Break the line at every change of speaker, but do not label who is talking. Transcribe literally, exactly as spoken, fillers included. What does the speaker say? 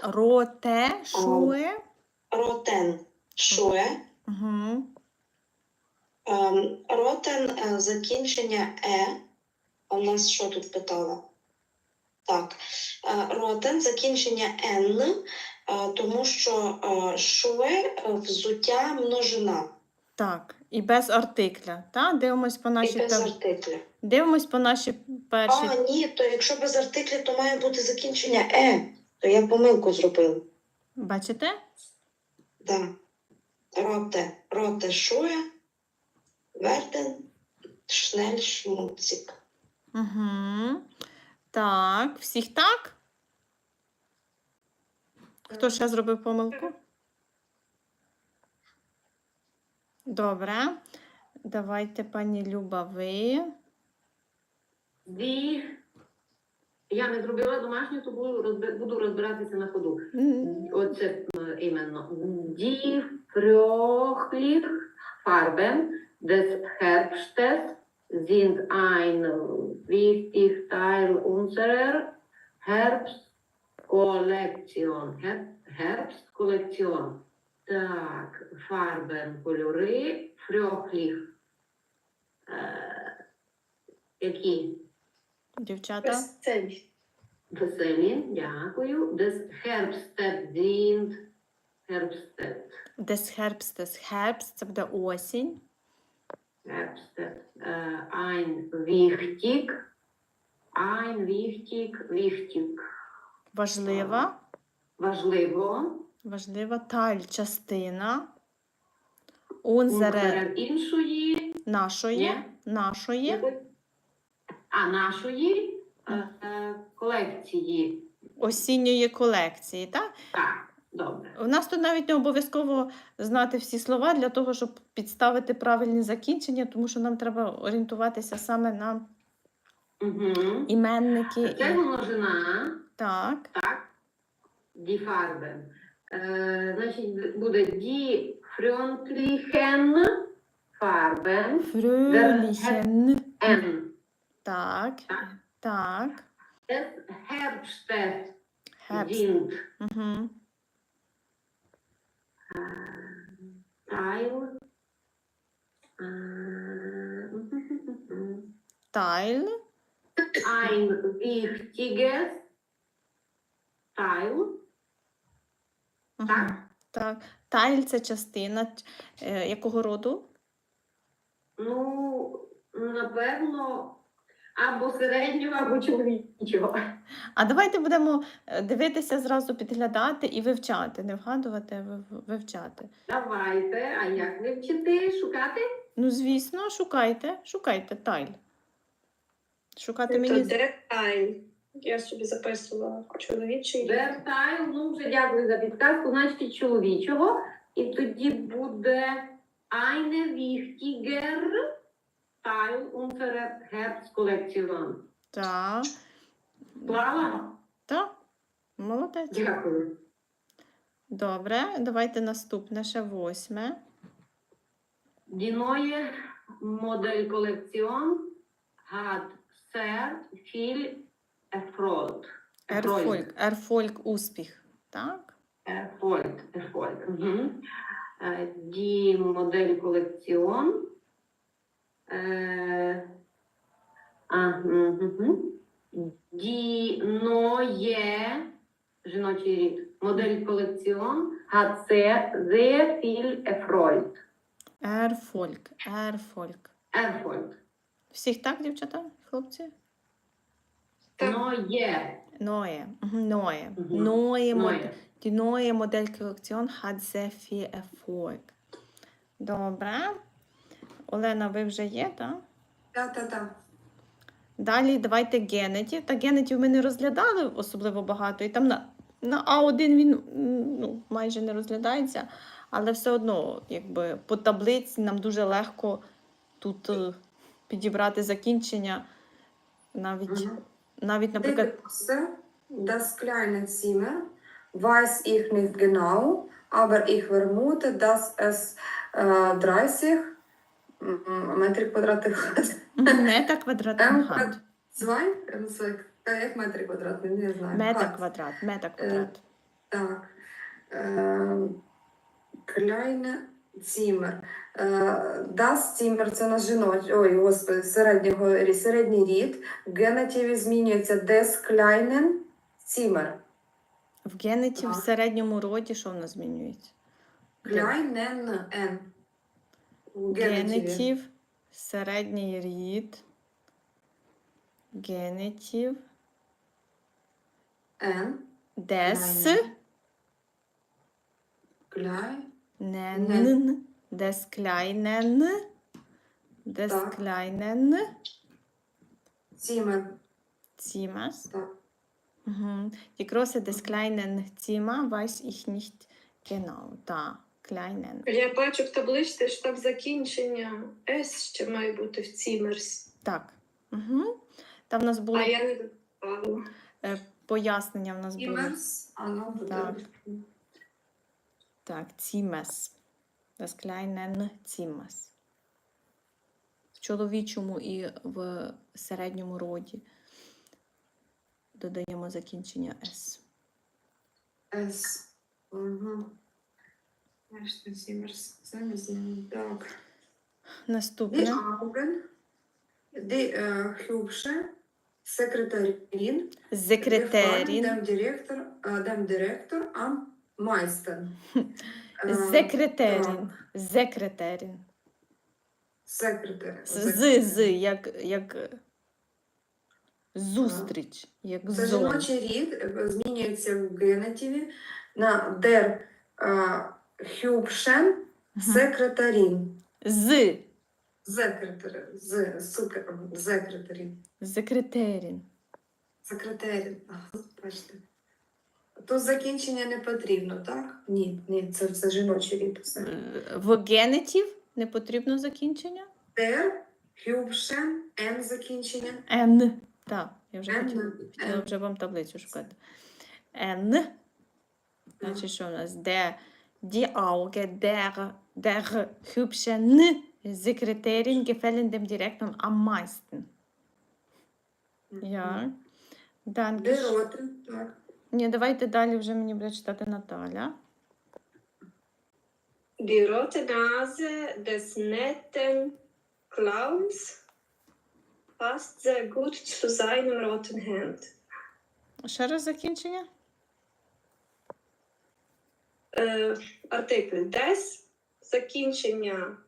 Роте, шуе.
Ротен, шуе.
Угу.
Ем, Ротен, е, закінчення е. А в нас що тут питала? Так. Е, Ротен, закінчення н, е, тому що е, шуе е, взуття множина.
Так, і без артикля. Та? Дивимось по
І
нашій
без
таб...
артикля.
Дивимось по нашій першій.
А, ні, то якщо без артикля, то має бути закінчення е. То я помилку зробила.
Бачите?
Да. Роте, роте шує, верден, шнель, шмуцик.
Угу. Так, всіх так? Хто ще зробив помилку? Добре. Давайте, пані Люба, ви.
Ді. Я не зробила домашню, то буду, розби- буду розбиратися на ходу.
М,
Оце е, іменно. Die fröhlich Farben des Herbstes sind ein wichtig Teil unserer Herbstkollektion. Her- Herbstkollektion. Так, Farben, кольори, fröhlich. Е, які?
Дівчата.
Веселі.
Веселі, дякую. Des Herbstes sind Herbstes.
Des Herbstes. Herbst – це буде осінь.
Herbstes. Äh, ein wichtig. Ein wichtig, wichtig.
Важлива.
Важливо.
Важлива. Таль – частина. Унзере
Унзерер іншої.
– нашої.
Ні.
Нашої.
А нашої е, е, колекції.
Осінньої колекції, так?
Так, добре.
У нас тут навіть не обов'язково знати всі слова для того, щоб підставити правильні закінчення, тому що нам треба орієнтуватися саме на
Угу.
іменники.
Це
І...
множина.
Так.
Так, die Farben. Е, значить, буде die freundlichen Farben.
Фрюліхен.
N.
Так.
Так.
Так.
Des Herbstes
Herbst.
sind
Угу.
Teil. Äh,
Тайл.
ein wichtiges Teil.
Угу.
Так.
Так. Тайл – це частина е, якого роду?
Ну, напевно, або середнього, або чоловічого.
А давайте будемо е, дивитися, зразу підглядати і вивчати. Не вгадувати, а вив- вивчати.
Давайте, а як вивчити, шукати?
Ну, звісно, шукайте, шукайте тайл. Шукати
Це
мені... з-
деталь. Я собі записувала чоловічий.
Вертаю, ну вже дякую за підказку, значить чоловічого. І тоді буде eine wichtiger Teil unserer Herbstkollektion.
Так.
Клала?
Так. Молодець.
Дякую.
Добре, давайте наступне, ще восьме.
Die neue Modellkollektion hat sehr viel Erfolg.
Ерфольк. Ерфольк успіх. Так.
Erfolg. Erfolg. Mhm. Äh, Die Modellkollektion. Äh, ah, mhm. Die neue жіночий рід Modellkollektion hat sehr, sehr viel Erfolg.
Ерфольк. Ерфольк.
Erfolg.
Всіх так, дівчата, хлопці?
Так.
Neue.
Ноє. Мгм, Ноє.
Мгм.
Ноє
Neue.
модель. Die neue Modellkollektion hat sehr viel Erfolg. Добре. Олена, ви вже є, так?
Та-та-та.
Далі давайте генетів. Та генетів ми не розглядали особливо багато. І там на, на А один він м, ну, майже не розглядається. Але все одно, якби по таблиці нам дуже легко тут е, підібрати закінчення. Навіть,
Мгм.
навіть наприклад,
Klasse, das kleine Zimmer, weiß ich nicht genau, aber ich vermute, dass es äh, dreißig м, метрів квадратних.
мета квадратний
М
гад.
Zwei? Це як метри квадратні, не знаю.
Мета
Гад.
квадрат, мета квадрат.
Так. Е, Kleine Zimmer. Е, Das Zimmer – це на жіночий, ой, господи, середнього, рі- середній рід. В генетиві змінюється des kleinen Zimmer.
В генеті в
Так.
середньому роді що в нас змінюється?
Kleinen N. В генетиві.
Генетів, середній рід, генетів,
N.
дес,
Klein.
нен, дес кляйнен, дес
Так.
кляйнен,
Zimmer.
цімас.
Так.
Mhm. Die Größe des kleinen Zimmer weiß ich nicht genau. Da, kleinen.
Я бачу в табличці, що там закінчення С ще має бути в цімерс.
Так. Угу. Там в нас було
А я не додавала.
е, пояснення в нас було.
Zimmers. Воно буде.
Так. Так, Zimmers. Das kleinen Zimmers. В чоловічому і в середньому роді додаємо закінчення S.
S. Угу. Бачите, Zimmers. Це не знаю. Так. Die
Наступне.
Augen. Die äh, hübsche Sekretärin. gefallen
Секретарін.
dem Direktor, äh, dem Direktor am meisten. Äh,
Секретарін. Секретарін.
Секретар.
З, з, як, як зустріч, як
Це
зон.
жіночий рід е, змінюється в генетиві на der äh, hübschen
Мгм.
Sekretärin.
З,
Секретар. З. Супер. Секретарин.
секретарін.
Секретарин. Ага, бачите. То закінчення не потрібно, так? Ні, ні, це, це жіночий рід. Все.
В генетів не потрібно закінчення?
Der hübschen N закінчення.
Н. Так, я вже
N.
хотіла, хотіла
N.
вже вам таблицю шукати. Н. Значить, що у нас? Der, die Augen der, der hübschen Sekretärin gefallen dem Direktor am meisten. Ja. Danke.
Der Roten, так.
Ні, давайте далі вже мені буде читати Наталя.
Die rote Nase des netten Clowns passt sehr gut zu seinem roten Hemd.
Ще раз закінчення.
Е, артикль des, закінчення